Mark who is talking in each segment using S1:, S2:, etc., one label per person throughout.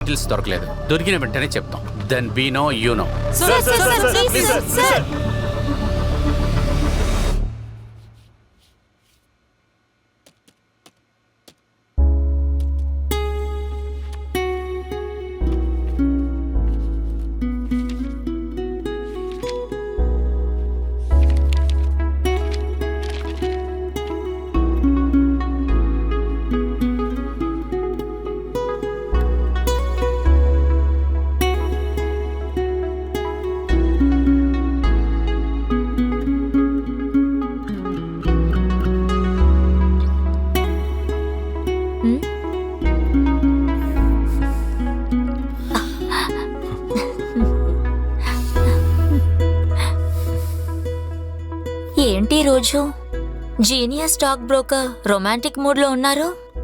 S1: Details దొరకలేదు. దొరికిన వెంటనే చెప్తాం. Then we know you know.
S2: ఏంటి రోజు genius stock broker romantic mood లో ఉన్నారు?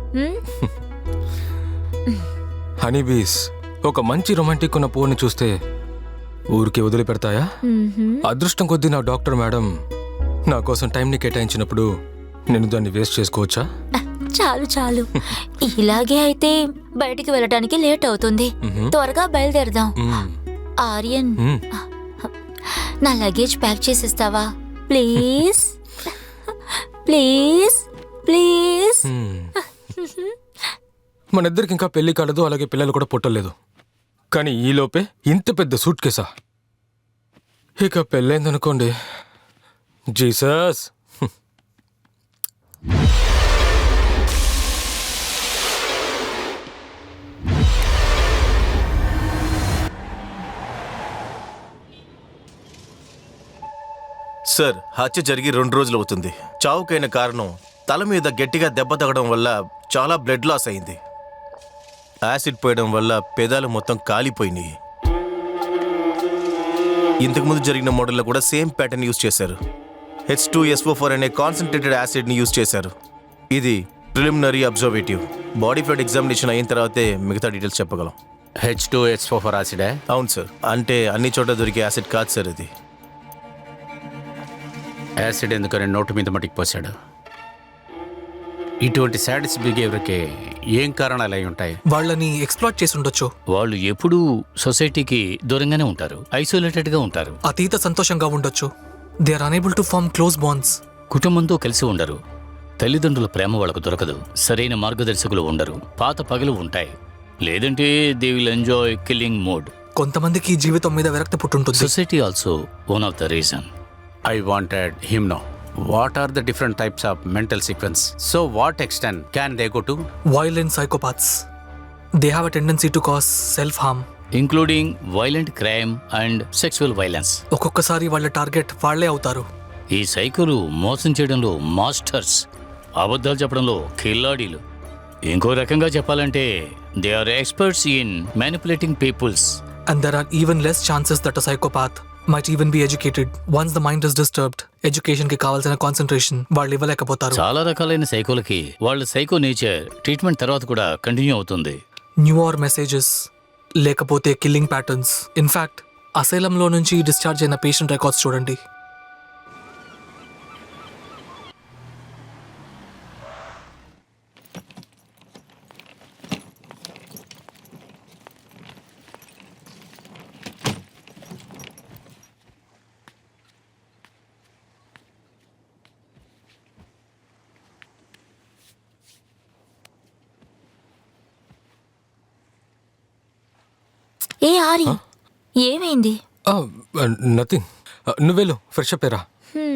S3: హనీబీస్ ఒక మంచి రొమాంటిక్ ఉన్న పువ్వుని చూస్తే ఊరికి వదిలిపెడతాయా? అదృష్టం కొద్దీ నా డాక్టర్ మేడం నా కోసం టైంని కేటాయించినప్పుడు నేను దాన్ని వేస్ట్ చేసుకోవచ్చా?
S2: చాలు చాలు, ఇలాగే అయితే బయటికి వెళ్ళడానికి లేట్ అవుతుంది. త్వరగా బయలుదేరదాం. ఆర్యన్, నా లగేజ్ ప్యాక్ చేసిస్తావా ప్లీజ్? Please please.
S3: మన ఇద్దరికి ఇంకా పెళ్లి కాలేదు, అలాగే పిల్లలు కూడా పుట్టలేదు. కానీ ఈలోపే ఇంత పెద్ద సూట్ కేసా? ఇక పెళ్ళైందనుకోండి, జీసస్.
S4: సార్, హత్య జరిగి 2 రోజులు అవుతుంది. చావుకైన కారణం తల మీద గట్టిగా దెబ్బ తగడం వల్ల చాలా బ్లడ్ లాస్ అయింది. యాసిడ్ పోయడం వల్ల పెదాలు మొత్తం కాలిపోయినాయి. ఇంతకుముందు జరిగిన మోడల్లో కూడా సేమ్ ప్యాటర్న్ యూజ్ చేశారు. H2SO4 అనే కాన్సన్ట్రేటెడ్ యాసిడ్ని యూజ్ చేశారు. ఇది preliminary observative. Body fluid examination అయిన తర్వాతే మిగతా డీటెయిల్స్ చెప్పగలం.
S1: H2SO4 యాసిడే?
S4: అవును సార్. అంటే అన్ని చోట్ల దొరికే యాసిడ్ కాదు సార్ ఇది.
S1: యాసిడ్ ఎందుకని నోటు మీద మట్టికి పోసాడు? ఇటువంటి సాడిస్ బిహేవియర్కి ఏం కారణాలు అయి ఉంటాయి?
S5: వాళ్ళని ఎక్స్ప్లాయిట్ చేసి ఉండొచ్చు.
S6: వాళ్ళు ఎప్పుడూ సొసైటీకి దూరంగానే ఉంటారు, ఐసోలేటెడ్గా ఉంటారు.
S5: అతీత సంతోషంగా ఉండొచ్చు. They are unable to form close bonds.
S6: కుటుంబంతో కలిసి ఉండరు. తల్లిదండ్రుల ప్రేమ వాళ్ళకు దొరకదు. సరైన మార్గదర్శకులు ఉండరు. పాత పగలు ఉంటాయి. లేదంటే they will enjoy killing mode.
S5: కొంతమందికి జీవితం మీద విరక్తి పుట్టుంటుంది.
S6: Society also one of the reason.
S1: I wanted him know. What are the different types of mental sequence? So what extent can they go to?
S5: Violent psychopaths. They have a tendency to cause self-harm.
S6: Including violent crime and sexual violence.
S5: ఒక్కొక్కసారి వాళ్ళ target వాళ్లే అవుతారు.
S6: ఈ సైకోలు మోసం చేయడంలో masters, అబద్ధాలు చెప్పడంలో కిల్లాడీలు. ఇంకో రకంగా చెప్పాలంటే they are experts in manipulating peoples.
S5: And there are even less chances that a psychopath might even be educated. Once the mind is disturbed, education కి కావాల్సిన కాన్సంట్రేషన్ వాళ్ళు ఇవ్వలేకపోతారు.
S6: చాలా రకాలైన సైకోలకి వాళ్ళ సైకో నేచర్ ట్రీట్మెంట్ తర్వాత కూడా కంటిన్యూ అవుతుంది.
S5: న్యూఆర్ మెసేజెస్, లేకపోతే కిల్లింగ్ ప్యాటర్న్స్. ఇన్ఫాక్ట్ అసైలంలో నుంచి డిశ్చార్జ్ అయిన పేషెంట్ రికార్డ్స్ చూడండి.
S2: ఏ ఆరి, ఏమైంది?
S3: నథింగ్. నువ్వేలో ఫ్రెష్ అప్ అయ్యరా.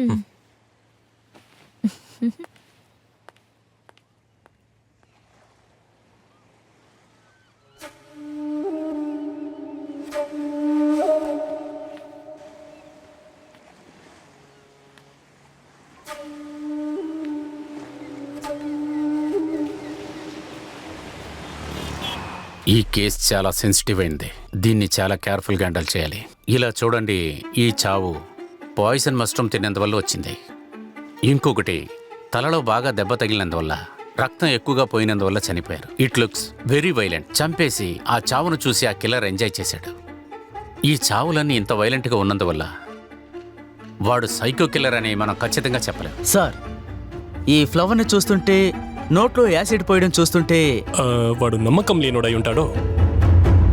S1: ఈ కేసు చాలా సెన్సిటివ్ అయింది. దీన్ని చాలా కేర్ఫుల్గా హ్యాండిల్ చేయాలి. ఇలా చూడండి, ఈ చావు పాయిజన్ మష్రూమ్ తినేందువల్ల వచ్చింది. ఇంకొకటి తలలో బాగా దెబ్బ తగిలినందువల్ల, రక్తం ఎక్కువగా పోయినందువల్ల చనిపోయారు. It looks very violent. చంపేసి ఆ చావును చూసి ఆ కిల్లర్ ఎంజాయ్ చేశాడు. ఈ చావులన్నీ ఇంత వైలెంట్గా ఉన్నందువల్ల వాడు సైకో కిల్లర్ అని మనం ఖచ్చితంగా చెప్పలేం.
S7: సార్, ఈ ఫ్లవర్ని చూస్తుంటే, నోట్లో యాసిడ్ పోయడం చూస్తుంటే
S8: వాడు నమ్మకం లేనోడై ఉంటాడో.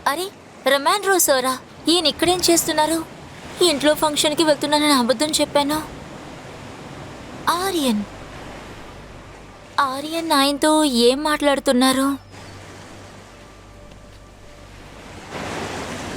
S2: అరే రొమాండ్రో సారా, ఈయన ఇక్కడేం చేస్తున్నారు? ఇంట్లో ఫంక్షన్కి వెళ్తున్నానని అబద్ధం చెప్పాను. ఆర్యన్ ఆయనతో ఏం మాట్లాడుతున్నారు?